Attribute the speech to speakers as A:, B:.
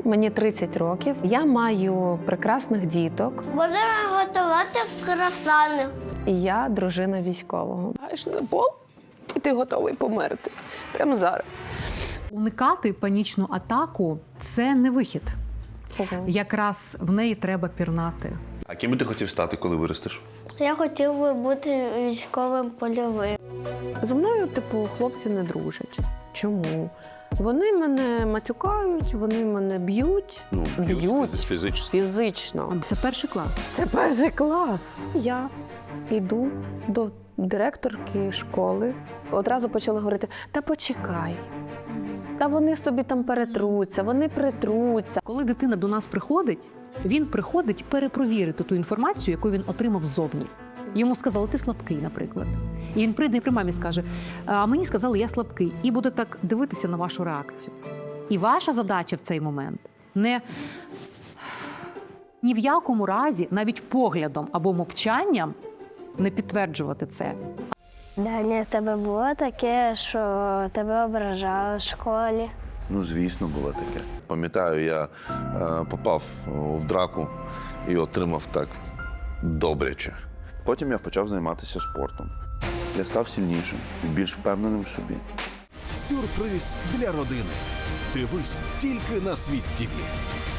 A: мені 30 років. Я маю прекрасних діток.
B: Будемо готувати круасани.
A: І я дружина військового. Лягаєш на пол, і ти готовий померти. Прямо зараз.
C: Уникати панічну атаку – це не вихід. Якраз в неї треба пірнати.
D: А ким би ти хотів стати, коли виростеш?
B: Я хотів би бути військовим польовим.
A: Зі мною, хлопці не дружать. Чому? Вони мене матюкають, вони мене б'ють.
D: Фізично.
A: Фізично.
C: Це перший клас.
A: Це перший клас. Я йду до директорки школи. Одразу почали говорити: та почекай. Та вони собі там перетруться, вони притруться.
C: Коли дитина до нас приходить, він приходить перепровірити ту інформацію, яку він отримав ззовні. Йому сказали, ти слабкий, наприклад. І він прийде і при мамі скаже, а мені сказали, я слабкий. І буде так дивитися на вашу реакцію. І ваша задача в цей момент ні в якому разі, навіть поглядом або мовчанням, не підтверджувати це.
B: Даня, в тебе було таке, що тебе ображали в школі?
D: Ну, звісно, було таке. Пам'ятаю, я попав в драку і отримав так добряче. Потім я почав займатися спортом. Я став сильнішим і більш впевненим в собі.
E: Сюрприз для родини. Дивись тільки на Світ ТІВІ.